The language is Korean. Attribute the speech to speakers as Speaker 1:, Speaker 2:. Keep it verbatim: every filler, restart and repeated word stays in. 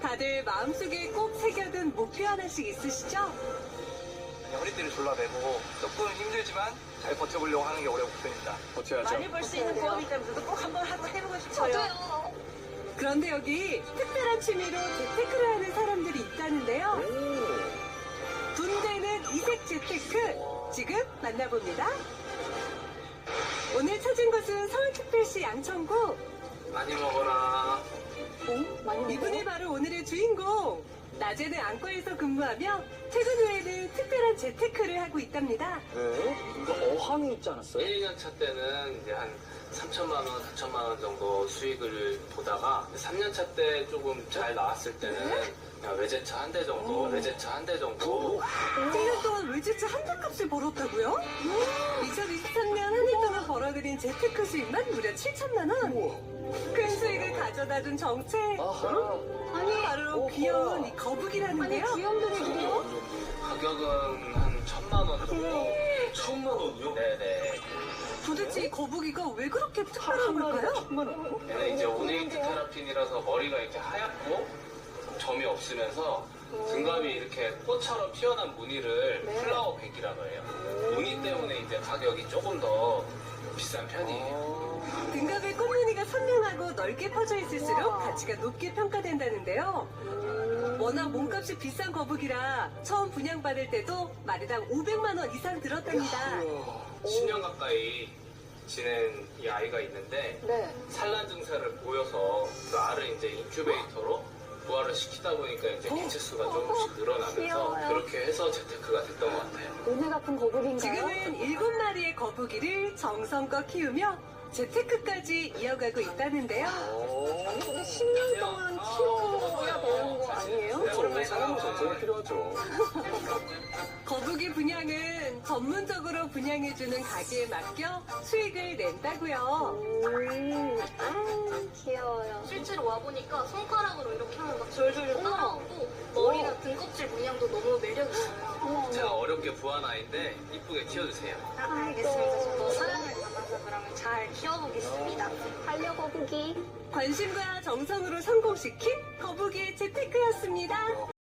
Speaker 1: 다들 마음속에 꼭 새겨둔 목표 하나씩 있으시죠?
Speaker 2: 허리띠를 졸라매고 조금 힘들지만 잘 버텨보려고 하는 게 올해 목표입니다.
Speaker 3: 버텨야죠.
Speaker 4: 많이 벌 수 있는 부업이기 때문에 저도 꼭 한번 하고 해보고 싶어요.
Speaker 5: 저도요.
Speaker 1: 그런데 여기 특별한 취미로 재테크를 하는 사람들이 있다는데요. 분대는 이색 재테크, 지금 만나봅니다. 오늘 찾은 곳은 서울특별시 양천구.
Speaker 2: 많이 먹어라.
Speaker 1: 이분이 바로 오늘의 주인공. 낮에는 안과에서 근무하며 퇴근 후에는 특별한 재테크를 하고 있답니다.
Speaker 3: 네? 그 어항이 있지 않았어요?
Speaker 6: 일, 이 년 차 때는 이제 한 삼천만 원, 사천만 원 정도 수익을 보다가 삼 년 차 때 조금 잘 나왔을 때는 그냥 외제차 한 대 정도, 외제차 한 대 정도.
Speaker 1: 일 년 동안 외제차 한 대 값을 벌었다고요? 이천이십삼 년 한 해 동안 벌어들인 재테크 수익만 무려 칠천만 원. 큰 수익을 가져다준 정체.
Speaker 3: 아하.
Speaker 1: 아니, 바로 귀여운 이 거북이라는데요.
Speaker 5: 귀염둥이들이요?
Speaker 6: 가격은 한 천만 원 정도.
Speaker 3: 천만 원이요?
Speaker 6: 네네.
Speaker 1: 도대체 이 거북이가 왜 그렇게 특별한 걸까요?
Speaker 3: 천만 원?
Speaker 6: 얘는 이제 오네이트 테라핀이라서 머리가 이렇게 하얗고 점이 없으면서 등갑이 이렇게 꽃처럼 피어난 무늬를 플라워 백이라고 해요. 무늬 때문에 이제 가격이 조금 더 비싼 편이에요.
Speaker 1: 등갑의 꽃무늬가 선명하고 넓게 퍼져 있을수록 가치가 높게 평가된다는데요. 워낙 몸값이 비싼 거북이라 처음 분양받을 때도 마리당 오백만 원 이상 들었답니다.
Speaker 6: 십 년 가까이 지낸 이 아이가 있는데
Speaker 5: 네.
Speaker 6: 산란 증세를 보여서 그 알을 이제 인큐베이터로 부화를 시키다 보니까 이제 개체수가 조금씩 늘어나면서
Speaker 5: 귀여워요.
Speaker 6: 그렇게 해서 재테크가 됐던 것 같아요.
Speaker 5: 오늘 같은 거북인가요?
Speaker 1: 지금은 일곱 마리의 거북이를 정성껏 키우며 재테크까지 이어가고 있다는데요.
Speaker 5: 아니, 근데 십 년 동안 키워야 되는 거 아니에요?
Speaker 3: 그렇죠. 사람은 전쟁이 필요하죠.
Speaker 1: 거북이 분양은 전문적으로 분양해주는 가게에 맡겨 수익을 낸다고요.
Speaker 5: 음, 아, 귀여워요.
Speaker 7: 실제로 와보니까 손가락으로 이렇게 하면 막 졸졸 따라오고 머리나 등껍질 문양도 너무 매력있어요.
Speaker 6: 제가 어렵게 부한 아이인데 이쁘게 키워주세요.
Speaker 7: 아, 알겠습니다. 저도 사랑을 담아서 그러면 잘 키워보겠습니다.
Speaker 5: 달려 거북이.
Speaker 1: 관심과 정성으로 성공시킨 거북이의 재테크였습니다.